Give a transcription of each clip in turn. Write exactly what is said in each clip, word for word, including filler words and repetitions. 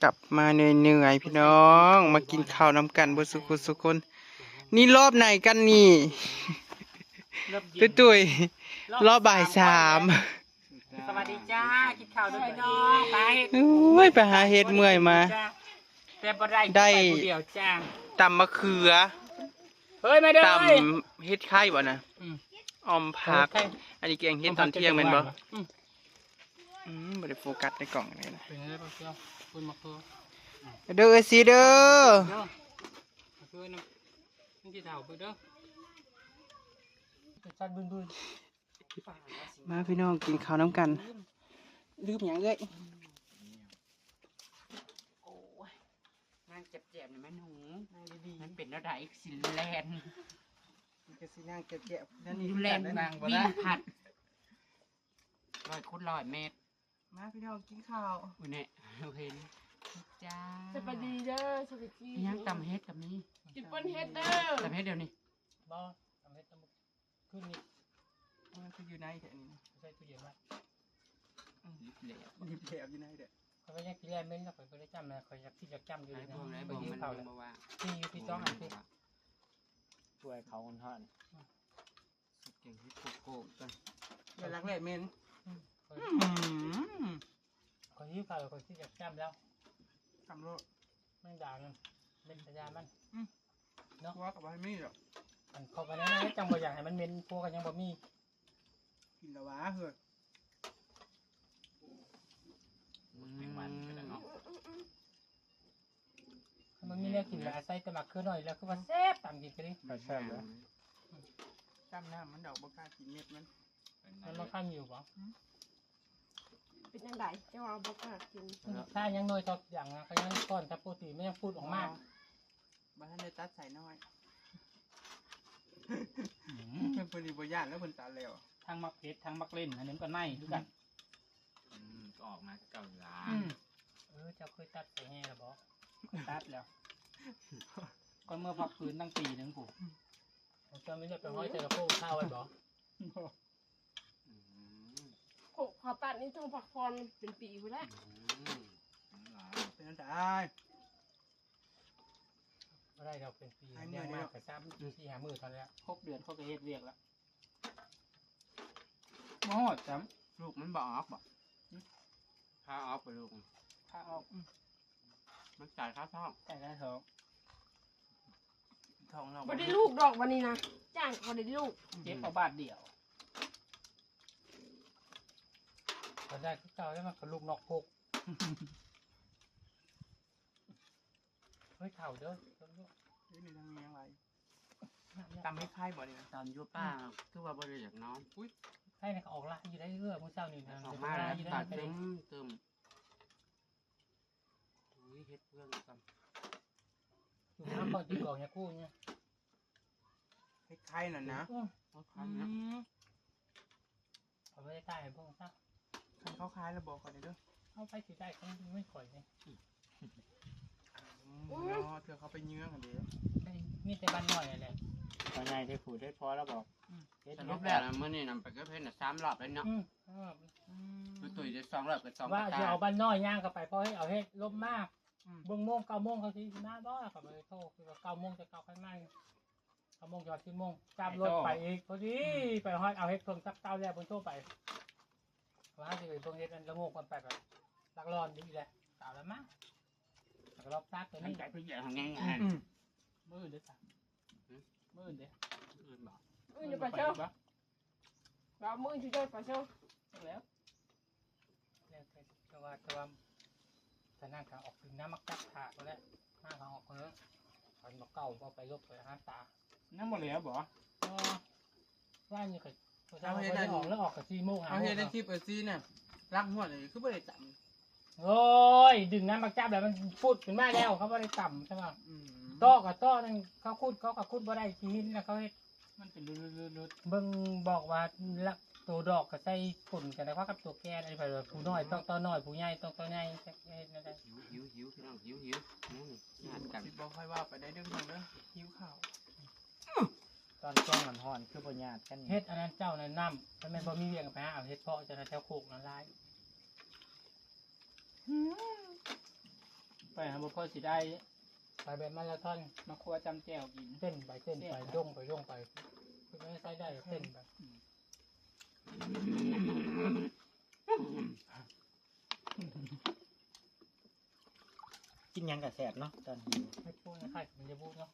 กลับมาเหนื่อยๆพี่น้องมากินข้าวน้ำกันบนสุขุสุคนนี่รอบไหนกันนี่ตุ้ยตุ้ยรอบบ่ายสามสวัสดีจ้ากินข้าวด้วยพี่น้องไปโอ้ยไปหาเห็ดเมื่อยมาแต่บ่ได้ได้เดียวจ้าตำมะเขือเฮ้ยมาเด้อตำเห็ดไข่บ่นะออมผักอันนี้แกงเห็ดตอนเที่ยงเป็นบ่อืมบ่ได้โฟกัสในกล่องเลยนะเป็นอะไรบ้างเจ้าคุณมะเขือเด้อสิเด้อมะเขือน้ำนี่ที่เท่าไปเด้อจัดบึ้นบึ้นมาพี่น้องกินข้าวน้ำกันลืมอย่างเอ้ยโอ้ยนั่งเจ็บๆนี่แม่หนูนั่งดีๆมันเป็นอะไรสิแลนมันก็สินั่งเจ็บๆนั่นนี่นี่แลนวิ่งผัดลอยคุดลอยเมตรมาพี่น้องกินข้าวอุ้ยเนี่ยเราเห็นจ้าสวัสดีเด้อสวัสดียังตำเฮ็ดกับนี้กินปนเฮ็ดเด้อตำเฮ็ดเดี๋ยวนี้บ่ตำเฮ็ดตำขึ้นนี่มันคืออยู่ในเดี๋ยวนี้ใส่ตู้เย็นไว้ยิบเหลวยิบเหลวอยู่ในเด้อเขาไปยังกินแล่เม้นแล้วเขาไปได้จำนะเขาอยากที่จะจำอยู่นะไปยืมเขาเลยที่อยู่ที่จ้องอันที่ช่วยเขาคนทอดสุดเก่งที่โกโก้กันเวลาแรกเมนเขายืมเขาเขาที่จะจำแล้วทำรถไม่ด่ามันเป็นพยานมันเนาะว่ากับให้มีหรอกมันเขาไปนั่นจังบ่อยากให้มันเม้นพวกกันยังบ่มีกินละวะเฮ้ยมันมีเรื่องกินแล้วใส่ตะหมักขึ้นหน่อยแล้วคือว่าแซ่บตามกินกันดิแซ่บเลยจำหน้ามันดอกบกล้ากินเม็ดมันมันมาข้ามอยู่ปะเป็นยังไงเจ้าเอาบอกว่ากินถ้ายังน้อยต่ออย่างนะเขายังก้อนถ้าปกติไม่ยังพูดออกมากบ้านได้ตัดใส่น้อยเพิ่นดีบ่ย่านแล้วเพิ่นตัดแล้วทั้งมักเพชรทั้งมักเล่นอันนี้ก็ไม่ด้วยกันก็ออกมาเก่าล้าเออเจ้าเคยตัดใส่แห่หรือเปล่าตัดแล้วก็เมื่อพักฟื้นตั้งปีนึงกูเจ้าไม่ได้ไปห้อยเจอโค้ข้าวไว้บ่โขกขอตัดนี่ต้องพักผ่อนเป็นปีไปแล้วเป็นอันตรายไม่ได้เราเป็นปีเลี้ยงมากแต่ซ้ำสี่หามือตอนนี้ครบเดือนเขาก็เฮ็ดเรียกแล้วมอดจ้ำลูกมันบ่ออกบ่ข้าออกไปลูกข้าออกมันจ่ายค่าท้องจ่ายค่าท้องท้องเราไม่ได้ลูกดอกวันนี้นะจ้างเขาได้ลูกเจ็บเอาบาทเดียวตอนได้ที่เก่าได้มากับลูกนอกพกเฮ้ยเข่าเด้อนี่มีทางนี้อะไรตำให้ไข่บ่เนี่ยตำยั่วป้าคือว่าบริจาคน้องอุ้ยไข่เนี่ยออกละอยู่ได้เรื่อยมื้อเช้านี่นะออกมาแล้วตัดเติมเติมอุ้ยเฮ็ดเพื่อนกันอยู่น้ำบางทีก่อนเนี่ยคู่เนี่ยให้ไข่น่ะนะเขาไม่ได้ใต้พวกนั้นคันเขาคล้ายแล้วบอกก่อนเด้อเขาไปสิได้เขาไม่ข่อยเลยอ๋อเธอเขาไปเยื้องกันเด้อนี่แต่บ้านน้อยอะไรภายในที่ผูดได้พอแล้วบอกสรุปแล้วเมื่อนี่นำไปก็เพิ่นน่ะสามรอบแล้วเนาะคือตุ๋ยได้สองรอบกับสองว่าจะเอาบ้านน้อยย่างเข้าไปเพราะให้เอาให้ลบมากเบิ้งโมงเก้าโมงเขาที่หน้าบ้านกับเลยโทษคือว่าเก้าโมงจะเก้าขั้นไม่เก้าโมงจอดที่โมงจับรถไปอีกพอดีไปห้อยเอาให้เพิ่งสักเก้าแรกบนโต๊ะไปว่าจะไปเพิ่งเฮ็ดมันละโงกมันไปแบบลักร้อนดีแหละสาวแล้วมั้งแล้วรอบซักตัวนี้ใจพี่ใหญ่ทางง่ายๆมือเด้อจ้ะมือเด้อมือบอกมือจะไปเช่าเรามือที่จะไปเช่าแล้วแล้วแต่ว่าแต่ว่าแต่นั่งขาออกถึงน้ำมักจับขาก็แล้วนั่งขาออกคนละคนบอกเก่าพอไปลบไปห้ามตานั่งหมดแล้วบ่ว่านี่เคยเอาเฮ็ดได้ออกแล้วออกกับซีโม่เอาเฮ็ดได้คลิปเออซีเนี่ยรักหัวเลยคือไม่ได้จับโอ้ยดึงน้ำมักจับแล้วมันพูดขึ้นมาแล้วเขาไม่ได้ต่ำใช่ไหมต้อกับต้อนั่นเขาคูดเขากับคูดบ่ได้ทีนแล้วเขาเฮ็ดมันเป็นรุดๆๆเบิ่งบอกว่าละตัวดอกกับใส่ฝุ่นกันนะครับกับตัวแก่อะไรไปเลยผู้น้อยต้องตัวน้อยผู้ใหญ่ต้องตัวใหญ่เฮ็ดนั่นได้หิวหิวพี่น้องหิวหิวนี่งานกันบอกค่อยว่าไปได้เรื่องนึงเด้อหิวข้าวตอนช่วงห่อนๆคือบ่ญาติกันเฮ็ดอันนั้นเจ้านั่นน้ำถ้าแม่บ่มีเวียงไปหาเอาเฮ็ดเพาะจะได้แถวโคกนั่นลายไปหาบุพเพสิได้ไปแบบมาราธอนมาครัวจำแจวกินเต้นไปเต้นไปย่องไปย่องไปคือไม่ใช้ได้เต้นไปกินยังกับแสบเนาะตอนหิวไม่พูดนะใครมันจะพูดเนาะ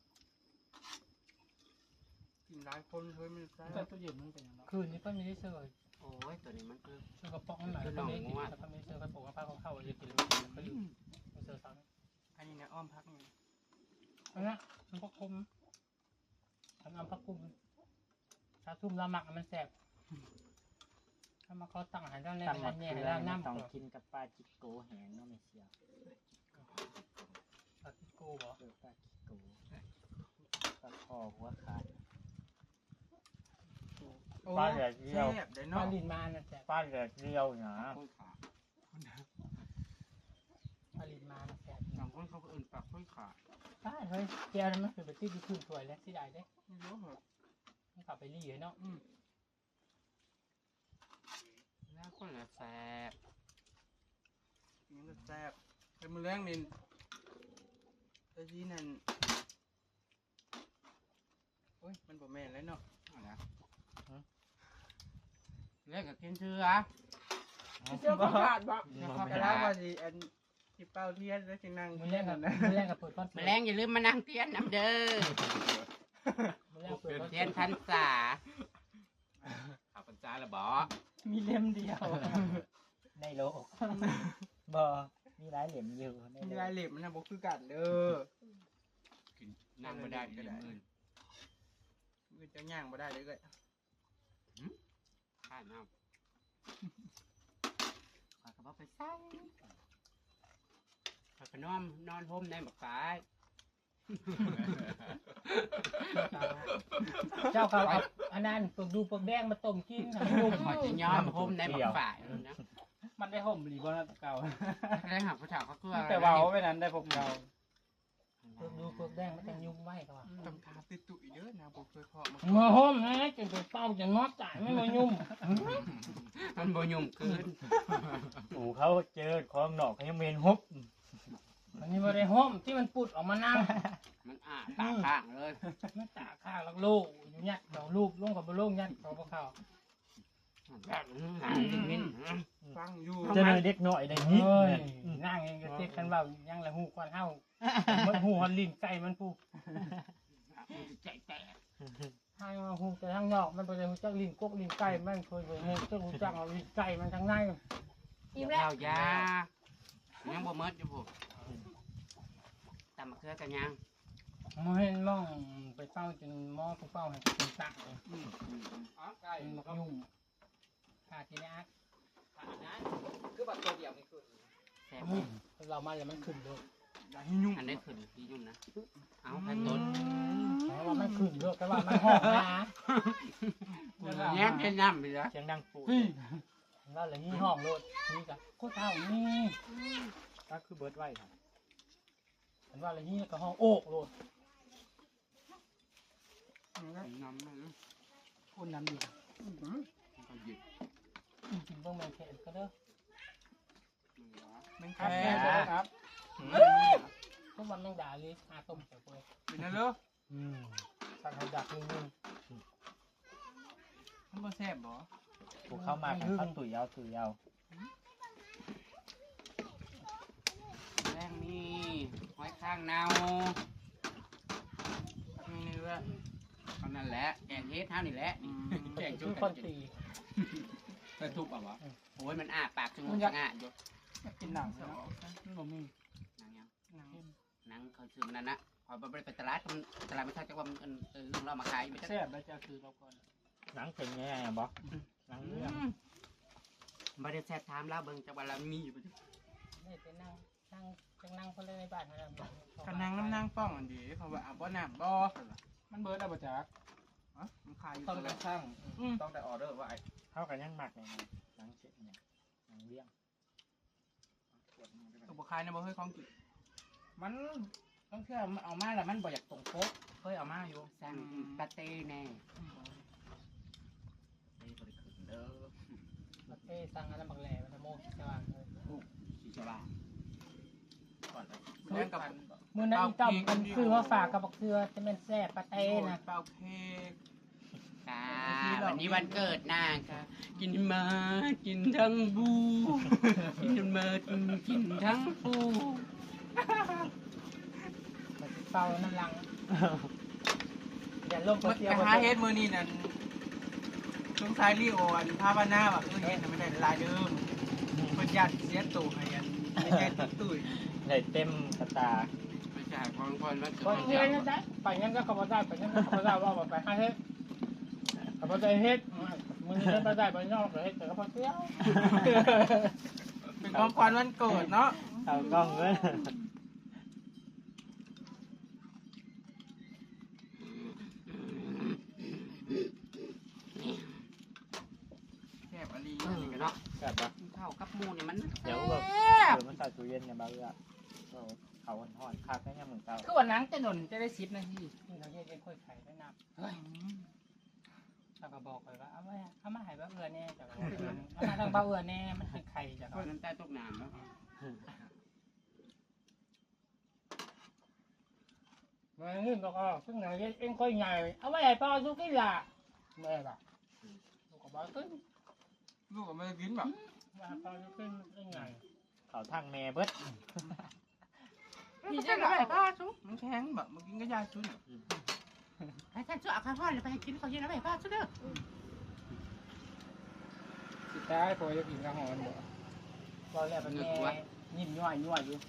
กินหลายคนเฮ้ยมันแซ่แต่บตัวเย็นมันเป็นยังไงคืนนี้ก็มีได้เสื้อโอ้ยตัวนี้มันคือเสื้อกระป๋องหน่อยแล้วก็ไม่กินแล้วก็ไม่เสื้อกระป๋องกระเพาะเข้าจะกินแล้วกินแล้วก็ลืมไม่เสื้อซ้ำอันนี้นะอ้อมพักนี่อันนั้นมันก็คุมทำน้ำพักคุมชาทุ่มละหมักมันแสบถ้ามาเขาตั้งอาหารด้านแรกตำหมัด้าก นแย่เกลือด้านมันน้ำต้องก่อนกินกับปลาจิโกแห้งเนาะไม่เสียวปาติโก้เหรอเออปลาจิโกปลาคอหัวขาดโอ้ปลาแดดเดียวแซ่บเด้ปลาเนาะลินมาน่ะแสบปลาแดดเดียวนะค่อยขาปลาลินมาน่ะแสบบางคนเขาก็เอื่นปากค่อยขาใช่เฮ้ยแก้วนั้นมันคือไปตีดูคืนสวยแล้วสิได้เด้ไม่รู้เหรอมันกลับไปรีเนาะอืมแล้วคนละแซ่บนี่มันแซ่บเป็นมือแรงนี่ตะกี้นั่นโอ้ยมันบ่แม่นแล้วเนาะเอาละเรียกกับกินเชือเสื้อประกาศบ่นะครับแต่แล้วว่าสิอันที่เป้าเทียนแล้วสินั่งมือแรกกับนะมือแรกกับเปิดก้อนแมลงอย่าลืมมานั่งเตียนน้ำเด้อมือแรกเปิดก้อนเตียนพันษาข้าพเจ้าละบอมีเล่มเดียวในโลกบอมีหลายเหลี่ยมอยู่ในมีโลรายกเหล็บมันนะบ่คือกันเด้อกินนั่งไม่ได้ก็ได้มือมือจะย่างบ่ได้เลยก็ข้าน้ำข้าก็บอกไปใส่ข้าก็นอนนอนห่มในหมากฝายเจ้าเขาเอาอันนั้นปลกดูปลกแดงมาต้มกินค่ะนุ่มขอจะย้อมห่มในหมากฝายเลยนะมันได้ห่มหรือบ่เก่าแรงหักผู้ชายเขาคือแต่ว่าเอาไปนั้นได้พวกเราปลกดูปลกแดงมันจะยุ่งไว้ก็ว่าต้องทาติดตุยเด้อนะบ่เคยเพาะมามาห่มนะจนไปเป้าจะงอจ่ายไม่มายุ่มมันบ่ยุ่มเกินหมูเขาเจอของหนอกเขายังเมนฮบอันนี้มาได้ห่มที่มันปุดออกมานั่งมันอ่าตาข้างเลยมันตาข้างลักลูกอยู่ยัดดอกลูกลงกับบ่ลงยัดเขาบ่เข้าแบบหางมินฟังอยู่เจะเลยเด็กหน่อยได้นิดเอ้ยเนี่ยนั่งเองก็เต็กกันว่ายังละหูควันเฮามันหูฮอนลิ้นไก่มันปูใจแตกทางหูแต่ทางนอกมันบ่ได้ฮู้จักลิ้นกกลิ้นไก่มันเคยบ่ฮู้จักฮู้จักเอาลิ้นไก่มันทางในอิ่มแล้วยายังบ่เมิดอยู่ผมตำมะเขือกันยังบ่เห็นมองไปเป้าจนหมอผู้เป้าให้เป็นตักเลยอ๋อไก่มันบ่ยุ่งขาดทีนี้อักคือบัตรตัวเดียวนี่คือแซ่บอืมเรามาแล้วมันขึ้นเลยอย่าให้ยุ่งอันนี้ขึ้นที่ยุ่งนะเอาแค่ต้นแต่ว่ามันขึ้นเลยแต่ว่ามันห้องนะแง่เป็นน้ำไปแล้วเสียงดังปูดพี่แล้วอะไรนี่ห้องโลดนี่กะโคตรเท่านี่ก็คือเบิร์ดไว้ครับเห็นว่าอะไรนี่ก็ห้องโอกโลดน้ำมันคุณน้ำดีก็หยิบกินเบิ่งแมงแขนก็เด้อแม่งครับแค่แม่ครับทุกวันแมงดาเลยอาต้มใส่กล้วยเป็นนั่นเด้ออืมสั่งให้ดักนึงมันบ่แซ่บบ่ผูเข้ามากันเขาตุ๋ยเอาตุ๋ยเอาแรงนี่หอยข้างเนามีเนื้อเท่านั้นแหละแกงเฮ็ดเท่านี่แหละอืมแกงทุจุ๊กบคนตีไปทุบอ่ะวะโอ้ยมันอ้าปากจมูกสง่าอยู่กินหนังเนาะมันบ่มีหนังยังหนังหนังเขาซื้อมันนั่นนะพอไปไปตลาดมันตลาดไม่เข้าใจว่ามันเออเรามาขายไม่ใช่แซ่บแล้วจะคือเราก่อนหนังเป็นไงอะบอหนังเรื่องบริษัทถามเราเบิ่งจังหวัดเรามีอยู่นี่เป็นนั่งนั่งจังนั่งคนเลยในบ้านนั่นกันนางน้ำนางป้องอันดีเพราะว่าอ่ะบ่น้ำบ่มันเบิร์ดอะบ่จักอ๋อมันขายอยู่ต้องตลกอระดช่างอืมต้องได้ออเดอร์ว่าไอ้เท่ากันยังหมักเลยนะหนังเสร็จเนี่ยหนังเลี้ยงตัวบ่ขายนะบ่เคยของกินมันต้องเชื่อมันเอามาแล้วมันบ่อยากตรงโป๊ะเคยเอามาอยู่สั่งปาเต้แน่เต้บริขึ้นเด้อมาเต้สั่งอันนั้นบักแหล่มันจะโม่สว่างเลยสีสว่างก่อนเลยแม่งกับมือนั้นอีต้อมมันคือว่าฝากกับบักเคือจะเป็นแซ่บปลาเต้นะเป่าเค้กค่ะวันนี้วันเกิดนางค่ะ กินมากินทั้งบูกินมากินทั้งปูมันเป่าน้ำลังอย่าลงไปเตียวหาเฮ็ดมือนี่นั่นช่วงท้ายรีโออันภาพหน้าแบบเออเฮ็ดไม่ได้ลายเดิมมันยันเสียตู่ให้อันไม่ใช่ตุ้ยได้เต็มกระตาไม่ใช่คนคนวันเกิคนดเงี้ยได้ไปงั้นก็ขบได้ไปงั้นก็ขบได้ว่าไปหาเฮ็ดขบได้เฮ็ดมือนี้ได้ได้ไปนอกเฮ็ดแต่ก็พอเที่ยวเป็นของขวัญวันเกิดเนาะเอากล้องเลยแคบอะไรเออเนาะแบบว่าเท่ากับหมูเนี่ยมันเดี๋ยวแบบเดี๋ยวมันใส่ตู้เย็นเนี่ยบ้าเอื้อเอาเขาห่อนๆคักได้ยังเหมือนเก่าคือวันนั้นจะหนุนจะได้ชิปนะพี่นี่เราเฮ็ดเองค่อยไข่ได้น้ำเฮ้ยเราก็บอกไปว่าเอาไว้เอามาให้บ้าเอือแน่จ้ะเอามาทางบ้าเอือแน่มันเป็นไข่จ้ะคนน้ำใต้ตกน้ำเนาะมาเงินก็ก็ซึ่งเราเฮ็ดเองค่อยใหญ่เอาไว้ให้พ่อสุกี้ล่ะแม่ล่ะลูกก็บอกขึ้นลูกก็ไม่ได้กินแบบว่าพ่อสุกี้เป็นไงเขาทางแม่เบิดนี่จะอะไรป้าชุบมันแข็งแบบมันกินก็ยากชุนให้ท่านช่วยเอาข้าวทอดไปกินข้าวเย็นอะไรป้าชุบเด้อสุดท้ายพอจะกินกระหอนบ่พอแล้วเป็นแม่ยิ้มย่อยย่อยอยู่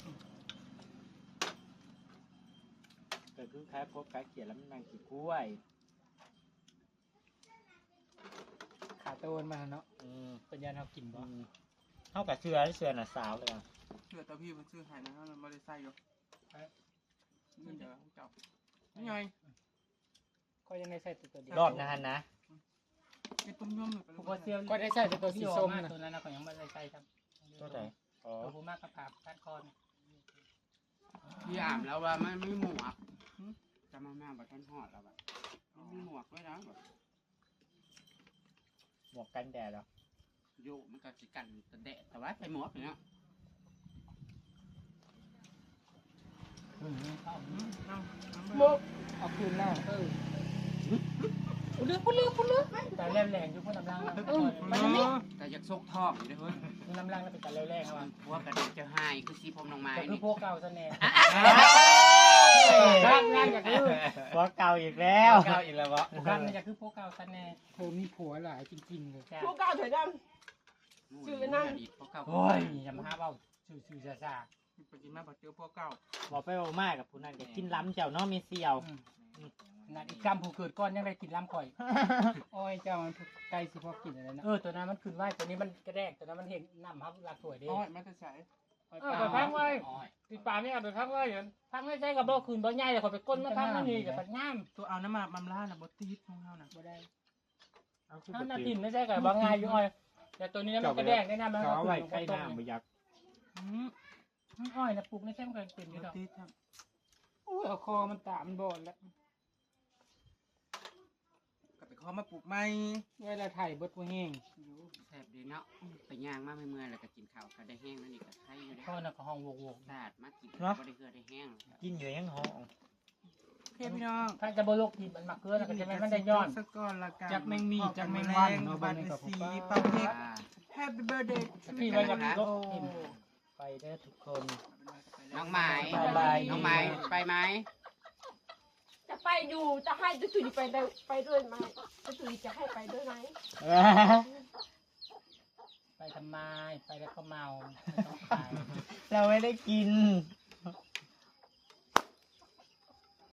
เกิดขึ้นคล้ายพบคล้ายเขียนแล้วมันนางกี่กล้วยขาโตนมาเนาะอืมเป็นยันเขากินบ่อืมเท่ากับเชือเชือน่ะสาวเลยอ่ะเชื่อตาพี่มันซื้อให้นะมันไม่ได้ใส่หรอกนี่เดี๋ยวเจ้านี่ไงก็ยังได้ใส่ตัวเดียวรอบนานนะไอ้ตุ้มย่อมเลยผู้ก็เซียวก็ได้ใส่ตัวสีส้มตัวนั้นนะก็ยังไม่ได้ใส่ครับตัวไหนอ๋อตัวผู้มากกระปาบกัดคอนพี่อ่านแล้วว่ามันไม่หมวกจะมาแม่แบบท่านหอดแล้วแบบไม่มีหมวกด้วยนะแบบหมวกกันแดดเหรอโยมันก็สิกันแต่แดดแต่ว่าใส่หมวกเนาะโมกเอาคืนแล้วเออคุณเลือกคุณเลือกคุณเลือกแต่แรงแรงอยู่คนน้ำลังนะมันนี่แต่อยากซกท้องอยู่ด้วยน้ำลังแล้วเป็นแต่แรงแรงครับพวกกระเด็นจะหายคือสีผมลงมาแต่คือนี่พวกเก่าซะแน่ร่ร่างร่างอยากคือพวกเก่าอีกแล้วเก่าอีกแล้ววะร่างอยากคือพวกเก่าซะแน่เธอมีผัวหลายจริงๆเลยพวกเก่าถอยด ชื่อนั่นพวกเก่าโอ้ยอย่ามาหาเบาซื่อๆซ่าไปกินมาบอกเจอพวกเก่าบอกไปบอกมากกับผู้นั้นก็กินล้ำเจ้าเนาะมีเสี่ยวๆนั่นอีกกำผู้เกิดก้อนยังได้กินล้ำข่อยโอ้ยเจ้ามันไก่สิพอกินอะไรนะเออตัวนั้นมันขึ้นไหวตัวนี้มันกระแดกตัวนั้นมันเห็นน้ำครับหลักถวยเด้อ้อยมันจะใส่เออไปพักไว้ติดป่าไม่เอาไปพักไว้เดี๋ยวพักไม่ใช่กับบ่คืนบ่ใหญ่เดี๋ยวข่อยไปก้นมาพักนั่นนี่เดี๋ยวพักง่ามตัวเอาน้ำมามัมล่าน่ะบดตีดของเขาน่ะบ่ได้เอาคือถ้าบ่นาตื่ตินนไม่ใช่กับบ่ง่ายอยู่อ้อยแต่ตัวนี้มันกระแดกได้น้ำมันเขาเอาไว้ใกล้น้ำบ่อยากอืมอ้อยนะปลูกไม่ใช่มันก็เป็นอยู่บดดอกตีดครับโอ้ยเอาคอมันตามันบอดแล้วก็ไปขอมาปลูกใหม่เวลาถ่ายเบิดบ่แห้งแซ่บดีเนาะไปย่างมากไม่เมื่อยแล้วก็กินข้าวก็ได้แห้งนั่นอีกก็ไข่อยู่ได้พ่อน่ะก็ห้องโวกสาดมากินก็ได้เกลือได้แห้งกินอยู่ยังห้องโอเคพี่น้องๆถ้าจะบ่โลกกินมันมักเกลือแล้วก็จะไม่มันได้ย้อนสักก้อนละกันจักแมงมีจักแมงวันเนาะบ้าบ้าน นนี้นี้ก็ก็ผมสีว่าเป่าเค้ก Happy birthday พี่ไว้กับลกกินไปเด้อทุกคนน้องไม้บายน้องไม้ไปไหมำจะไปอยู่จะให้จะตุยไปได้ไปด้วยไหมจะตุยจะให้ไปด้วยไหมไปทำไมไปแล้วก็เมาไม่ต้องขายเราไม่ได้กิน